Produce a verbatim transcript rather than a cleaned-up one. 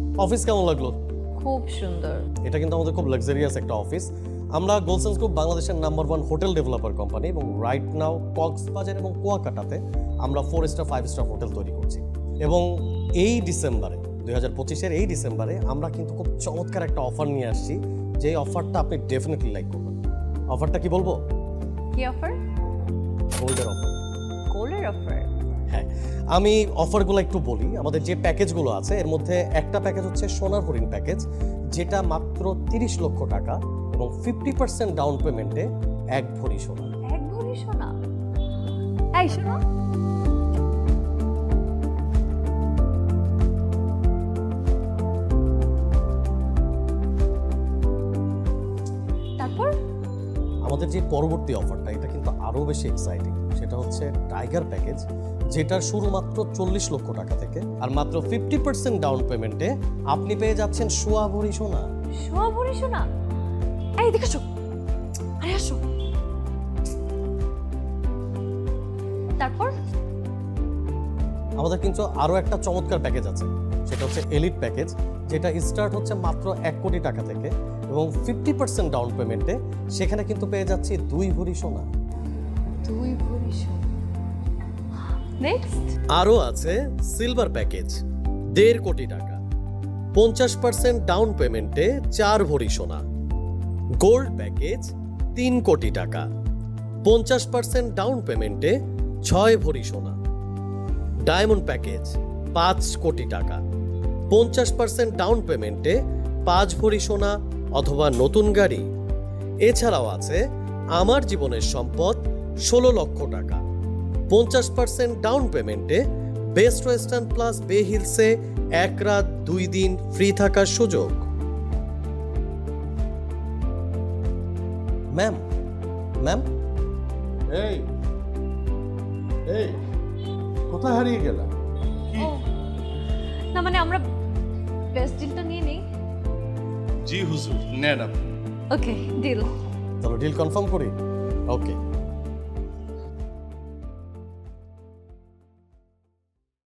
Office কেমন লাগলো? খুব সুন্দর। এটা কিন্তু আমাদের খুব লাক্সারিয়াস একটা অফিস। আমরা গোলসেন্স গ্রুপ বাংলাদেশের number one hotel developer company এবং রাইট নাও কক্সবাজার এবং কুয়াকাটাতে আমরা four star five star hotel তৈরি করছি। এবং এই ডিসেম্বরে দুই হাজার পঁচিশের এই ডিসেম্বরে আমরা কিন্তু খুব চমৎকার একটা অফার নিয়ে আসছি, যে অফারটা আপনি ডেফিনেটলি লাইক করবেন। অফারটা কি বলবো? কি অফার? গোল্ডের অফার। গোল্ডের অফার? হ্যাঁ, আমি অফারগুলো একটু বলি। আমাদের যে প্যাকেজগুলো আছে এর মধ্যে একটা প্যাকেজ হচ্ছে সোনার হরিণ প্যাকেজ, যেটা মাত্র তিরিশ লক্ষ টাকা এবং ফিফটি পার্সেন্ট ডাউন পেমেন্টে এক ভরি সোনা। এক ভরি সোনা? এই শোনো, তারপর আমাদের যে পরবর্তী অফারটা এটা কিন্তু আরও বেশি এক্সাইটিং। সেটা হচ্ছে টাইগার প্যাকেজ, যেটার শুরু মাত্র চল্লিশ লক্ষ টাকা থেকে, আর মাত্র ফিফটি পার্সেন্ট ডাউন পেমেন্টে আপনি পেয়ে যাচ্ছেন সোয়া ভরি সোনা। সোয়া ভরি সোনা? এই দেখো, আরে আসো। তারপর আমাদের কিন্তু আরও একটা চমৎকার প্যাকেজ আছে, সেটা হচ্ছে এলিট প্যাকেজ, যেটা স্টার্ট হচ্ছে মাত্র এক কোটি টাকা থেকে এবং ফিফটি পার্সেন্ট ডাউন পেমেন্টে সেখানে কিন্তু পেয়ে যাচ্ছি দুই ভরি সোনা। দুই ভরি সোনা। নেক্সট আরও আছে সিলভার প্যাকেজ, দেড় কোটি টাকা, পঞ্চাশ পার্সেন্ট ডাউন পেমেন্টে চার ভরি সোনা। গোল্ড প্যাকেজ তিন কোটি টাকা, পঞ্চাশ পার্সেন্ট ডাউন পেমেন্টে ছয় ভরি সোনা। ডায়মন্ড প্যাকেজ পাঁচ কোটি টাকা, পঞ্চাশ পার্সেন্ট ডাউন পেমেন্টে পাঁচ ভরি সোনা অথবা নতুন গাড়ি। এছাড়াও আছে আমার জীবনের সম্পদ ষোলো লক্ষ টাকা, পঞ্চাশ পার্সেন্ট ডাউন পেমেন্টে বেস্ট ওয়েস্টার্ন প্লাস বে হিলসে এক রাত দুই দিন ফ্রি থাকার সুযোগ। ম্যাম ম্যাম এই এই কোথায় হারিয়ে গেলা? কি? ও না, মানে আমরা বেস্ট ডিলটা নিয়ে নেই। জি হুজুর, নেন আপনি। Okay, deal. চলো ডিল কনফার্ম করি। ওকে।